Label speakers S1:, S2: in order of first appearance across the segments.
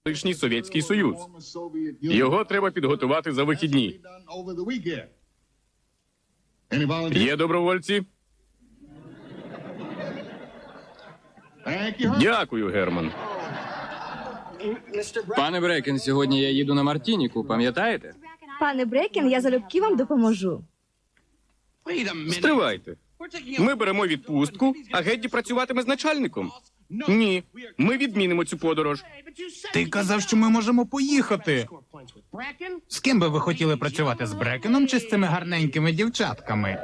S1: колишній Совєтський Союз. Його треба підготувати за вихідні. Є добровольці? Дякую, Герман.
S2: Пане Брекен, сьогодні я їду на Мартініку, пам'ятаєте?
S3: Пане Брекен, я залюбки вам допоможу.
S1: Стривайте. Ми беремо відпустку, а Гедді працюватиме з начальником. Ні, ми відмінимо цю подорож.
S4: Ти казав, що ми можемо поїхати. З ким би ви хотіли працювати, з Брекеном чи з цими гарненькими дівчатками?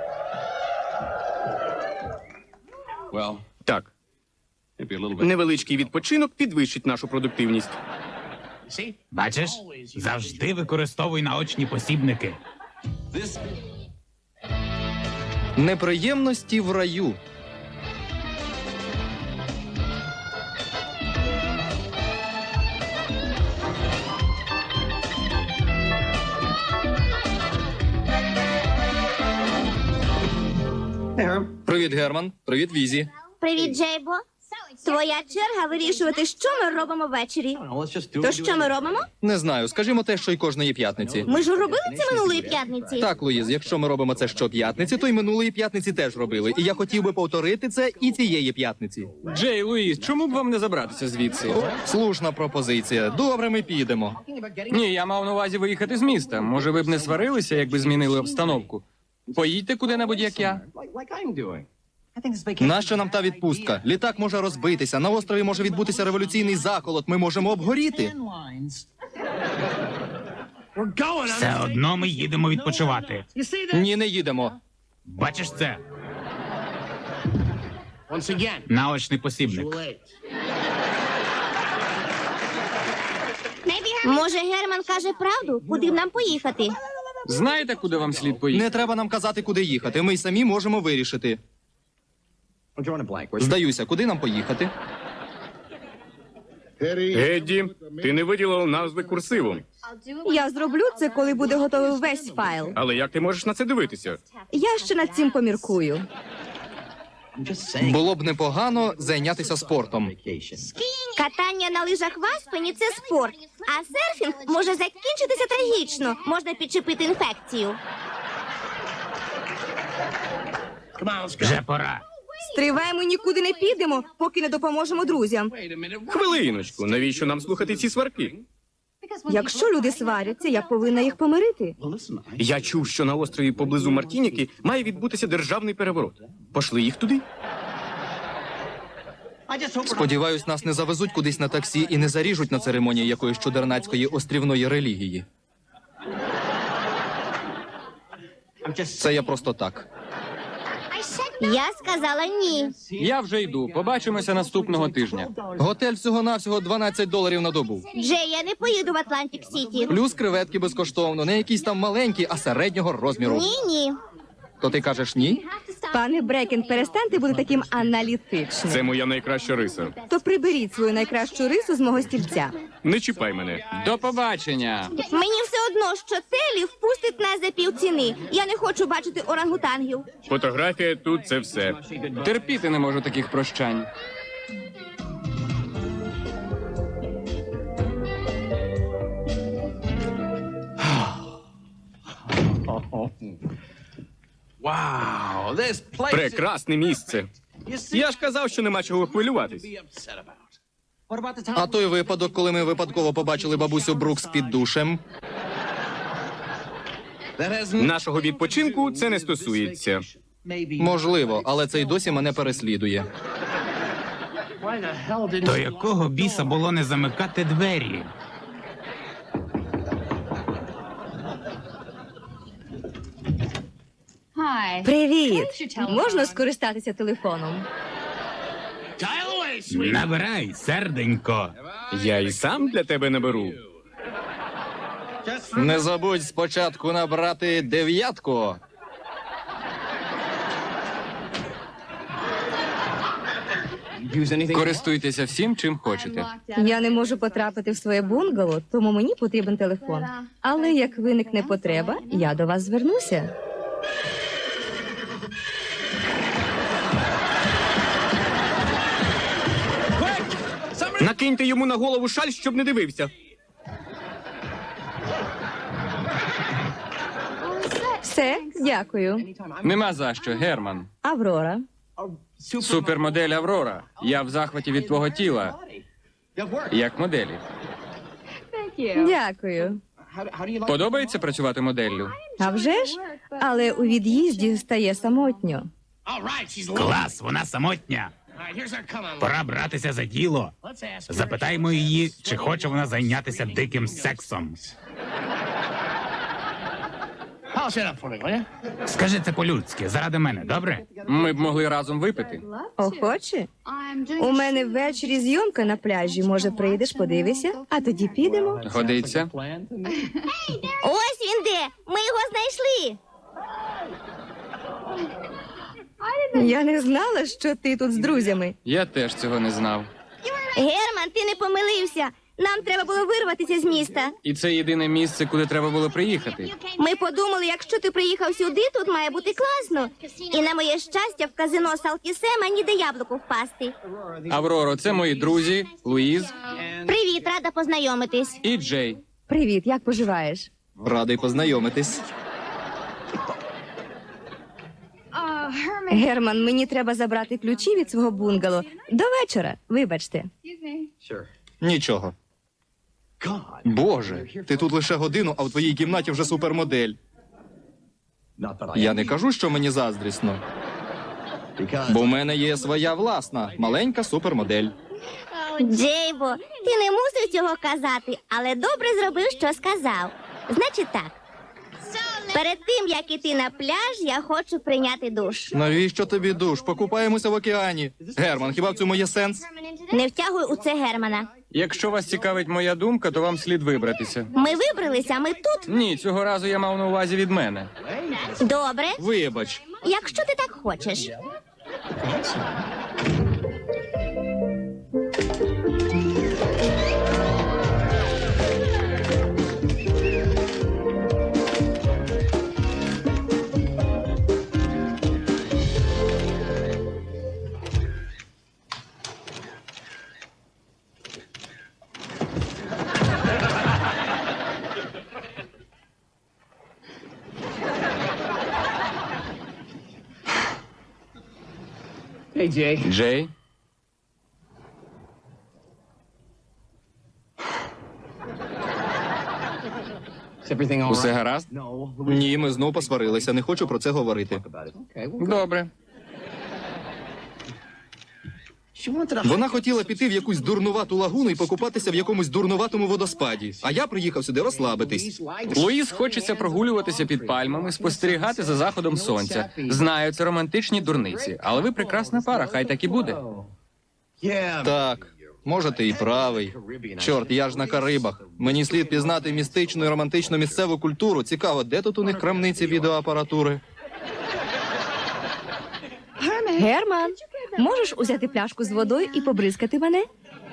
S1: Так, невеличкий відпочинок підвищить нашу продуктивність.
S4: Бачиш? Завжди використовуй наочні посібники.
S5: Неприємності в раю. Привіт, Герман. Привіт, Візі.
S6: Привіт, Джейбо. Твоя черга вирішувати, що ми робимо ввечері. То що ми робимо?
S5: Не знаю, скажімо те, що й кожної п'ятниці.
S6: Ми ж робили це минулої п'ятниці.
S5: Так, Луїз, якщо ми робимо це щоп'ятниці, то й минулої п'ятниці теж робили. І я хотів би повторити це і цієї п'ятниці.
S2: Джей, Луїс, чому б вам не забратися звідси?
S5: Слушна пропозиція. Добре, ми підемо.
S2: Ні, я мав на увазі виїхати з міста. Може, ви б не сварилися, якби змінили обстановку? Поїдьте куди-небудь, як я.
S5: Нащо нам та відпустка? Літак може розбитися, на острові може відбутися революційний заколот, ми можемо обгоріти.
S4: Все одно ми їдемо відпочивати.
S5: Ні, не їдемо.
S4: Бачиш це? Наочний посібник.
S6: Може, Герман каже правду? Куди б нам поїхати?
S2: Знаєте, куди вам слід поїхати?
S5: Не треба нам казати, куди їхати, ми й самі можемо вирішити. Здаюся, куди нам поїхати?
S1: Гедді, ти не виділив назви курсивом.
S3: Я зроблю це, коли буде готовий весь файл.
S1: Але як ти можеш на це дивитися?
S3: Я ще над цим поміркую.
S5: Було б непогано зайнятися спортом.
S6: Катання на лижах в Аспені – це спорт. А серфінг може закінчитися трагічно. Можна підчепити інфекцію.
S4: Вже пора.
S3: Стривай, ми нікуди не підемо, поки не допоможемо друзям.
S1: Хвилиночку, навіщо нам слухати ці сварки?
S3: Якщо люди сваряться, я повинна їх помирити.
S1: Я чув, що на острові поблизу Мартініки має відбутися державний переворот. Пошли їх туди.
S5: Сподіваюсь, нас не завезуть кудись на таксі і не заріжуть на церемонії якоїсь чудернацької острівної релігії. Це я просто так.
S6: Я сказала ні.
S2: Я вже йду. Побачимося наступного тижня.
S5: Готель всього-навсього $12 на добу.
S6: Джей, я не поїду в Атлантик Сіті.
S5: Плюс креветки безкоштовно, не якісь там маленькі, а середнього розміру.
S6: Ні.
S5: То ти кажеш ні?
S3: Пане Брекен, перестаньте бути таким аналітичним.
S1: Це моя найкраща риса.
S3: То приберіть свою найкращу рису з мого стільця.
S1: Не чіпай мене.
S2: До побачення.
S6: Мені все одно, що Телі впустить нас за півціни. Я не хочу бачити орангутангів.
S1: Фотографія тут – це все.
S2: Терпіти не можу таких прощань.
S1: Прекрасне місце. Я ж казав, що нема чого хвилюватись.
S5: А той випадок, коли ми випадково побачили бабусю Брукс під душем.
S1: Нашого відпочинку це не стосується.
S5: Можливо, але це й досі мене переслідує.
S4: До якого біса було не замикати двері?
S3: Привіт! Можна скористатися телефоном?
S4: Набирай, серденько.
S1: Я і сам для тебе наберу.
S5: Не забудь спочатку набрати 9.
S2: Користуйтеся всім, чим хочете.
S3: Я не можу потрапити в своє бунгало, тому мені потрібен телефон. Але як виникне потреба, я до вас звернуся.
S1: Накиньте йому на голову шаль, щоб не дивився.
S3: Все, дякую.
S2: Нема за що, Герман.
S3: Аврора.
S2: Супермодель Аврора. Я в захваті від твого тіла. Як моделі.
S3: Дякую.
S2: Подобається працювати моделлю?
S3: А вже ж? Але у від'їзді стає самотньо.
S4: Клас, вона самотня. Пора братися за діло. Запитаймо її, чи хоче вона зайнятися диким сексом. Скажи це по-людськи, заради мене, добре?
S2: Ми б могли разом випити.
S3: Охоче? У мене ввечері зйомка на пляжі. Може, прийдеш, подивишся, а тоді підемо.
S2: Годиться?
S6: Ось він де! Ми його знайшли!
S3: Я не знала, що ти тут з друзями.
S2: Я теж цього не знав.
S6: Герман, ти не помилився. Нам треба було вирватися з міста.
S2: І це єдине місце, куди треба було приїхати.
S6: Ми подумали, якщо ти приїхав сюди, тут має бути класно. І на моє щастя, в казино Салтісема ніде яблуку впасти.
S2: Авроро, це мої друзі, Луїз
S6: Привіт, рада познайомитись.
S2: і Джей.
S3: Привіт, як поживаєш?
S5: Радий познайомитись.
S3: Герман, мені треба забрати ключі від свого бунгало. До вечора, вибачте.
S5: Нічого. Боже, ти тут лише годину, а в твоїй кімнаті вже супермодель. Я не кажу, що мені заздрісно. Бо в мене є своя власна, маленька супермодель.
S6: Джейбо, ти не мусив цього казати, але добре зробив, що сказав. Значить так. Перед тим, як іти на пляж, я хочу прийняти душ.
S5: Навіщо тобі душ? Покупаємося в океані. Герман, хіба в цьому є сенс?
S6: Не втягуй у це Германа.
S2: Якщо вас цікавить моя думка, то вам слід вибратися.
S6: Ми вибралися, ми тут.
S2: Ні, цього разу я мав на увазі від мене.
S6: Добре,
S5: Вибач.
S6: якщо ти так хочеш.
S2: Джей? Усе гаразд?
S5: Ні, ми знов посварилися, не хочу про це говорити.
S2: Добре.
S5: Вона хотіла піти в якусь дурнувату лагуну і покупатися в якомусь дурнуватому водоспаді. А я приїхав сюди розслабитись.
S2: Луїз хочеться прогулюватися під пальмами, спостерігати за заходом сонця. Знаю, це романтичні дурниці, але ви прекрасна пара, хай так і буде.
S5: Так, може, ти і правий. Чорт, я ж на Карибах. Мені слід пізнати містичну і романтичну місцеву культуру. Цікаво, де тут у них крамниці відеоапаратури?
S3: Герман, можеш узяти пляшку з водою і побризкати мене?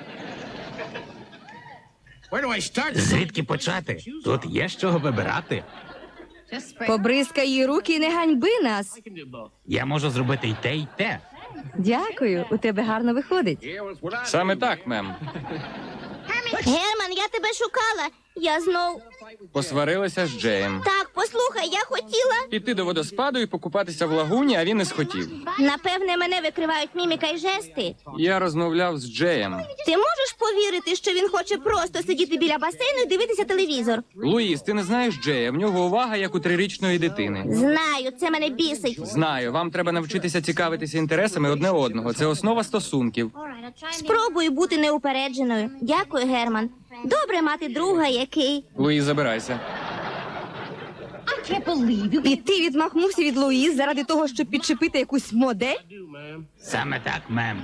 S4: Звідки почати? Тут є з чого вибирати.
S3: Побризкай її руки і не ганьби нас.
S4: Я можу зробити й те, й те.
S3: Дякую, у тебе гарно виходить.
S2: Саме так, мем.
S6: Герман, я тебе шукала. Я знов.
S2: Посварилася з Джеєм.
S6: Так, послухай, я хотіла.
S2: Піти до водоспаду і покупатися в лагуні, а він не схотів.
S6: Напевне, мене викривають міміка й жести.
S2: Я розмовляв з Джеєм.
S6: Ти можеш повірити, що він хоче просто сидіти біля басейну і дивитися телевізор?
S2: Луїз, ти не знаєш Джея, в нього увага, як у 3-річної дитини.
S6: Знаю, це мене бісить.
S2: Знаю, вам треба навчитися цікавитися інтересами одне одного. Це основа стосунків.
S6: Спробую бути неупередженою. Дякую, Герман. Добре мати друга, який.
S2: Луїз, забирайся.
S3: І ти відмахнувся від Луїз заради того, щоб підчепити якусь модель?
S4: Саме так, мем.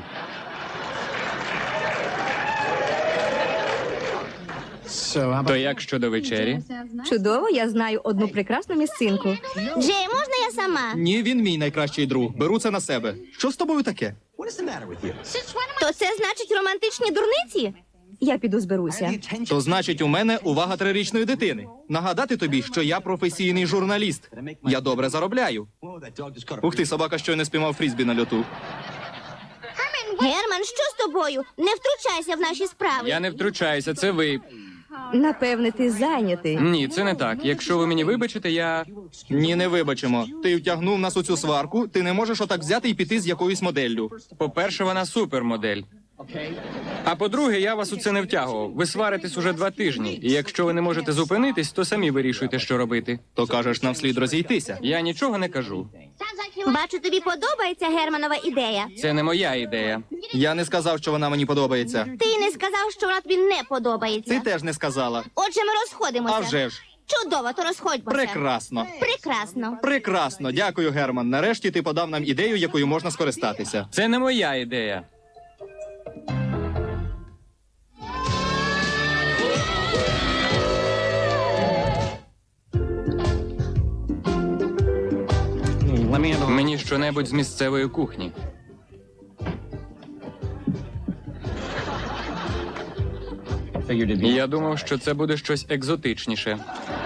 S2: То як щодо вечері?
S3: Чудово, я знаю одну прекрасну місцинку.
S6: Джей, можна я сама?
S5: Ні, він мій найкращий друг. Беру це на себе. Що з тобою таке?
S6: То це значить романтичні дурниці?
S3: Я піду зберуся.
S5: То значить, у мене увага 3-річної дитини. Нагадати тобі, що я професійний журналіст. Я добре заробляю. Ух ти, собака щойно спіймав фрізбі на льоту.
S6: Герман, що з тобою? Не втручайся в наші справи.
S2: Я не втручаюся, це ви.
S3: Напевне, ти зайнятий.
S2: Ні, це не так. Якщо ви мені вибачите, я.
S5: Ні, не вибачимо. Ти втягнув нас у цю сварку, ти не можеш отак взяти і піти з якоюсь моделлю.
S2: По-перше, вона супермодель. А по-друге, я вас у це не втягував. Ви сваритесь уже 2 тижні, і якщо ви не можете зупинитись, то самі вирішуйте, що робити.
S5: То кажеш, нам слід розійтися.
S2: Я нічого не кажу.
S6: Бачу, тобі подобається Германова ідея.
S2: Це не моя ідея.
S5: Я не сказав, що вона мені подобається.
S6: Ти й не сказав, що вона тобі не
S5: Ти
S6: подобається.
S5: теж не сказала.
S6: Отже, ми розходимося.
S5: А вже ж.
S6: Чудово, то розходьмося.
S5: Прекрасно.
S6: Прекрасно.
S5: Прекрасно. Дякую, Герман. Нарешті ти подав нам ідею, якою можна скористатися.
S2: Це не моя ідея. Мені щонебудь з місцевої кухні. Я думав, що це буде щось екзотичніше.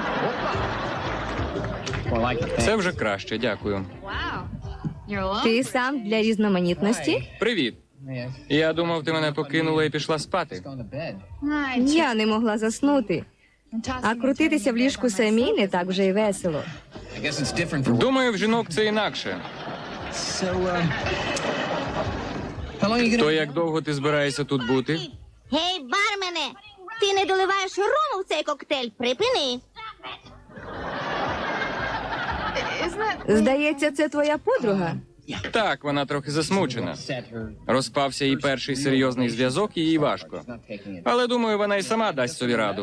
S2: Це вже краще, дякую.
S3: Ти сам для різноманітності?
S2: Привіт. Я думав, ти мене покинула і пішла спати.
S3: Я не могла заснути. А крутитися в ліжку самій не так вже й весело.
S2: Думаю, в жінок це інакше. То як довго ти збираєшся тут бути?
S6: Гей, бармене, ти не доливаєш рому в цей коктейль. Припини.
S3: Здається, це твоя подруга.
S2: Так, вона трохи засмучена. Розпався її перший серйозний зв'язок, і їй важко. Але думаю, вона й сама дасть собі раду.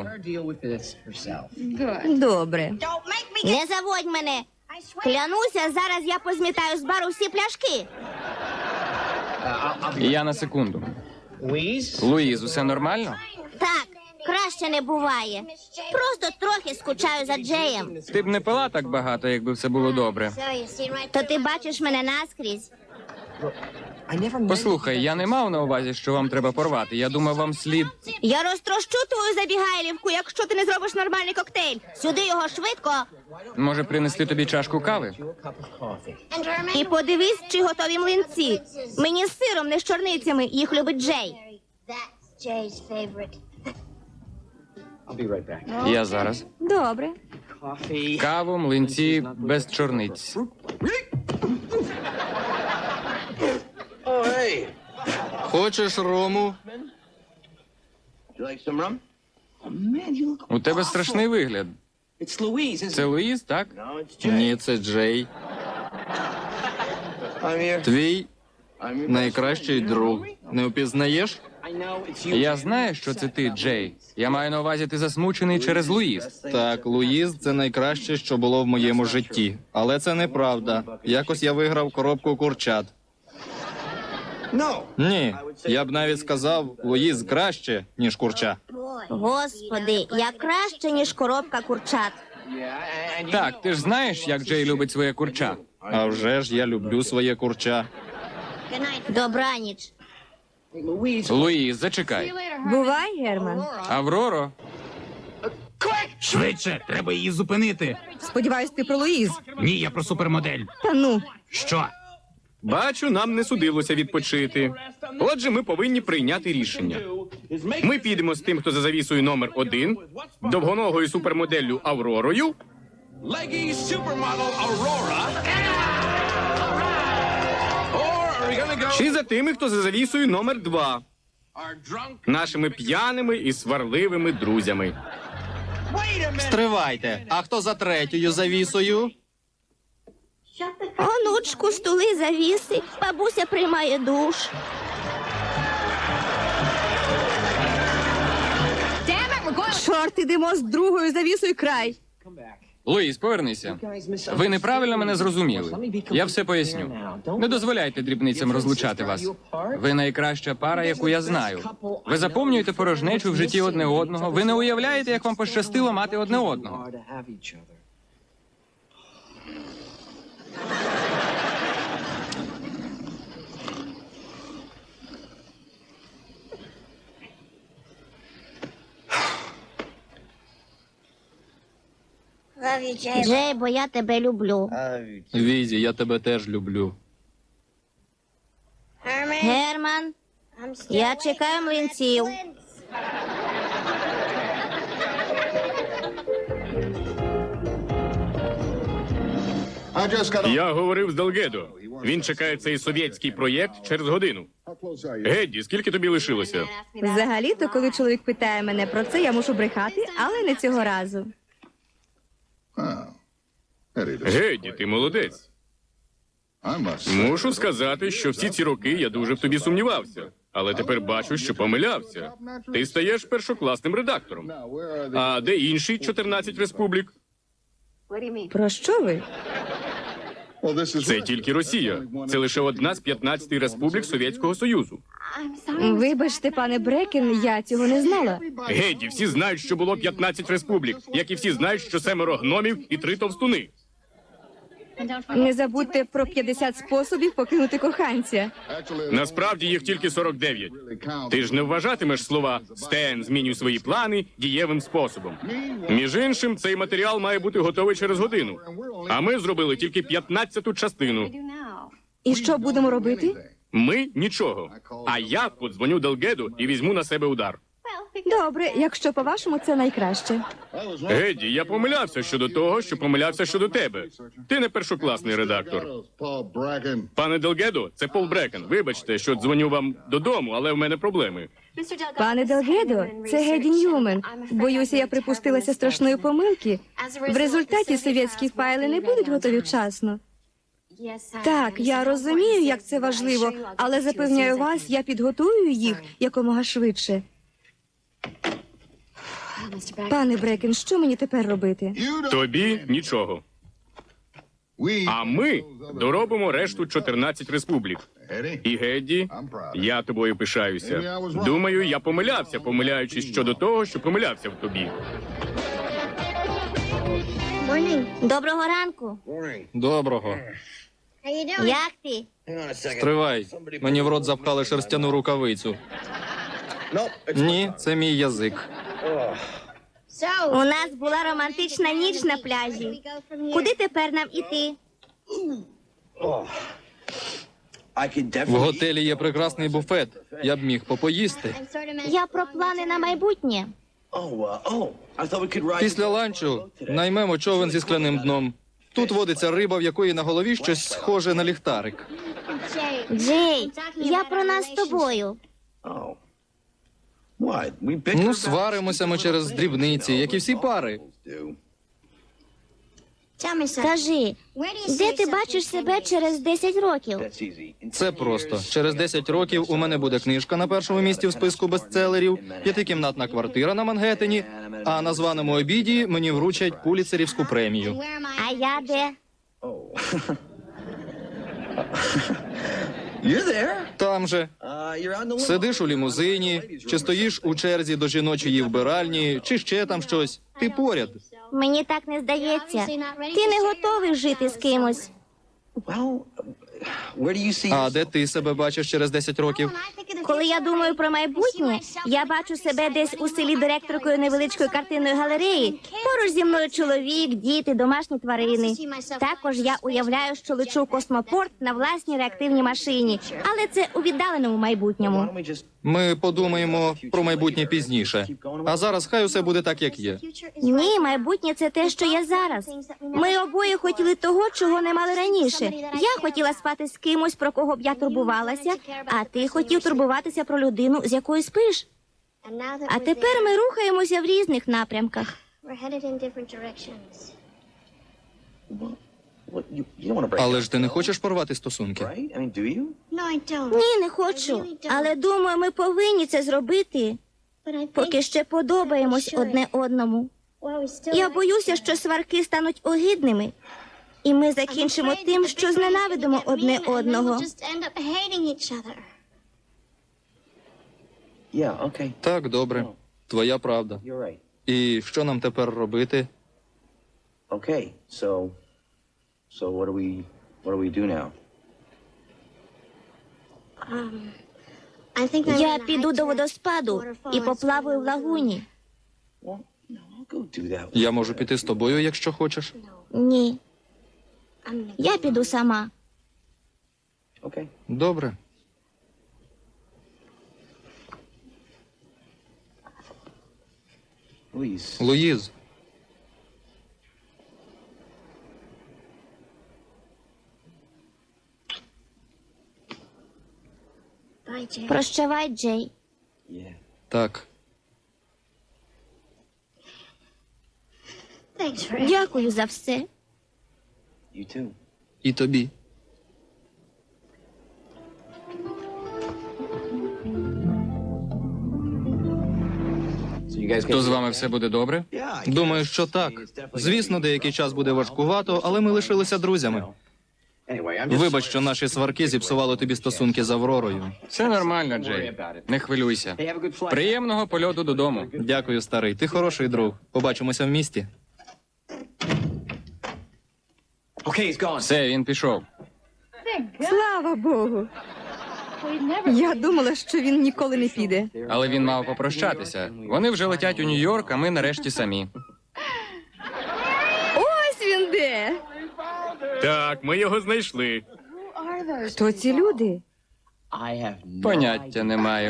S3: Добре.
S6: Не заводь мене. Клянуся, зараз я позмітаю з бару всі пляшки.
S2: Я на секунду. Луїз, усе нормально?
S6: Так, краще не буває. Просто трохи скучаю за Джеєм.
S2: Ти б не пила так багато, якби все було добре.
S6: То ти бачиш мене наскрізь.
S2: Послухай, я не мав на увазі, що вам треба порвати. Я думав, вам слід.
S6: Я розтрощу твою забігайлівку, якщо ти не зробиш нормальний коктейль. Сюди його швидко.
S2: Може, принести тобі чашку кави?
S6: І подивись, чи готові млинці. Мені з сиром, не з чорницями. Їх любить Джей.
S2: Я зараз.
S3: Добре.
S2: Каву, млинці, без чорниць.
S5: Хочеш рому?
S2: У тебе страшний вигляд. Це Луїз, так?
S5: Ні, це Джей. Твій найкращий друг. Не впізнаєш?
S2: Я знаю, що це ти, Джей. Я маю на увазі, ти засмучений через Луїз.
S5: Так, Луїз це найкраще, що було в моєму житті. Але це неправда. Якось я виграв коробку курчат. Ні, я б навіть сказав, Луїз краще, ніж курча.
S6: Господи, я краще, ніж коробка курчат.
S2: Так, ти ж знаєш, як Джей любить своє курча.
S5: А вже ж я люблю своє курча.
S6: Добраніч.
S2: Луїз, зачекай.
S3: Бувай, Герман.
S2: Авроро,
S4: Швидше, треба її зупинити.
S3: Сподіваюсь, ти про Луїз.
S4: Ні, я про супермодель.
S3: Та ну.
S4: Що?
S1: Бачу, нам не судилося відпочити. Отже, ми повинні прийняти рішення. Ми підемо з тим, хто за завісою номер 1, довгоногою супермоделлю Авророю,
S7: Leggy supermodel Aurora. Or are we gonna go
S1: чи за тими, хто за завісою номер 2,
S7: our drunk?
S1: нашими п'яними і сварливими друзями.
S5: Стривайте. А хто за третьою завісою?
S6: Онучку, стули, завіси. Бабуся приймає душ.
S3: Чорт, ідемо з другою завісою край.
S2: Луїз, повернися. Ви неправильно мене зрозуміли. Я все поясню. Не дозволяйте дрібницям розлучати вас. Ви найкраща пара, яку я знаю. Ви заповнюєте порожнечу в житті одне одного. Ви не уявляєте, як вам пощастило мати одне одного.
S6: Джей, бо я тебе люблю.
S5: Візі, я тебе теж люблю.
S6: Герман, Я чекаю млинців.
S1: Я говорив з Делгедо. Він чекає цей совєтський проєкт через годину. Гедді, скільки тобі лишилося?
S3: Взагалі-то, коли чоловік питає мене про це, я мушу брехати, але не цього разу.
S1: Гедді, ти молодець. Мушу сказати, що всі ці роки я дуже в тобі сумнівався. Але тепер бачу, що помилявся. Ти стаєш першокласним редактором. А де інші 14 республік?
S3: Про що ви?
S1: Це тільки Росія. Це лише одна з 15 республік Совєтського Союзу.
S3: Вибачте, пане Брекен, я цього не знала.
S1: Геді, всі знають, що було 15 республік, як і всі знають, що 7 гномів і 3 товстуни.
S3: Не забудьте про 50 способів покинути коханця.
S1: Насправді їх тільки 49. Ти ж не вважатимеш слова «Стен, змінюй свої плани» дієвим способом. Між іншим, цей матеріал має бути готовий через годину. А ми зробили тільки 15-ту частину.
S3: І що будемо робити?
S1: Ми – нічого. А я подзвоню Делгеду і візьму на себе удар.
S3: Добре, якщо по-вашому, це найкраще.
S1: Геді, я помилявся щодо того, що помилявся щодо тебе. Ти не першокласний редактор. Пане Делгедо, це Пол Брекен. Вибачте, що дзвоню вам додому, але в мене проблеми.
S3: Пане Делгедо, це Геді Ньюмен. Боюся, я припустилася страшної помилки. В результаті совєтські файли не будуть готові вчасно. Так, я розумію, як це важливо, але запевняю вас, я підготую їх якомога швидше. Пане Брекен, що мені тепер робити?
S1: Тобі нічого. А ми доробимо решту 14 республік. І Гедді, я тобою пишаюся. Думаю, я помилявся, помиляючись щодо того, що помилявся в тобі.
S6: Доброго ранку.
S5: Доброго.
S6: Як ти?
S5: Стривай. Мені в рот запхали шерстяну рукавицю. Ні, це мій язик.
S6: У нас була романтична ніч на пляжі. Куди тепер нам іти?
S5: В готелі є прекрасний буфет. Я б міг попоїсти.
S6: Я про плани на майбутнє.
S5: Після ланчу наймемо човен зі скляним дном. Тут водиться риба, в якої на голові щось схоже на ліхтарик.
S6: Джей, я про нас з тобою.
S5: Ну, сваримося ми через дрібниці, як і всі пари.
S6: Скажи, де ти бачиш себе через 10 років?
S5: Це просто. Через 10 років у мене буде книжка на першому місці в списку бестселерів, 5-кімнатна квартира на Мангеттені, а на званому обіді мені вручать Пуліцерівську премію.
S6: А я де?
S5: Там же. Сидиш у лімузині, чи стоїш у черзі до жіночої вбиральні, чи ще там щось. Ти поряд.
S6: Мені так не здається. Ти не готовий жити з кимось.
S5: А де ти себе бачиш через 10 років?
S6: Коли я думаю про майбутнє, я бачу себе десь у селі директоркою невеличкої картинної галереї. Поруч зі мною чоловік, діти, домашні тварини. Також я уявляю, що лечу в космопорт на власній реактивній машині. Але це у віддаленому майбутньому.
S5: Ми подумаємо про майбутнє пізніше. А зараз хай усе буде так, як є.
S6: Ні, майбутнє – це те, що є зараз. Ми обоє хотіли того, чого не мали раніше. Я хотіла спати з кимось, про кого б я турбувалася, а ти хотів турбуватися про людину, з якою спиш. А тепер ми рухаємося в різних напрямках.
S5: Але ж ти не хочеш порвати стосунки?
S6: Ні, не хочу. Але думаю, ми повинні це зробити, поки ще подобаємось одне одному. Я боюся, що сварки стануть огидними, і ми закінчимо тим, що зненавидимо одне одного.
S5: Так, добре. Твоя правда. І що нам тепер робити?
S8: So what do we do now?
S6: Я піду до водоспаду і поплаваю в лагуні.
S8: Well, no, I'll go do that.
S5: Я можу піти з тобою, якщо хочеш.
S6: Ні. Я піду сама.
S8: Okay.
S5: Добре.
S8: Louise.
S5: Луїз.
S6: Прощавай, Джей.
S8: Yeah.
S5: Так.
S6: Дякую за все.
S8: You too.
S5: І тобі.
S2: То з вами все буде добре?
S5: Думаю, що так. Звісно, деякий час буде важкувато, але ми лишилися друзями. Вибач, що наші сварки зіпсували тобі стосунки з Авророю.
S2: Все нормально, Джей. Не хвилюйся. Приємного польоту додому.
S5: Дякую, старий. Ти хороший друг. Побачимося в місті.
S2: Все, він пішов.
S3: Слава Богу. Я думала, що він ніколи не піде.
S2: Але він мав попрощатися. Вони вже летять у Нью-Йорк, а ми нарешті самі.
S3: Ось він де.
S1: Так, ми його знайшли.
S3: Хто ці люди?
S2: Поняття не маю.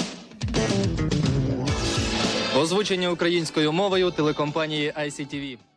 S5: Озвучення українською мовою телекомпанії ICTV.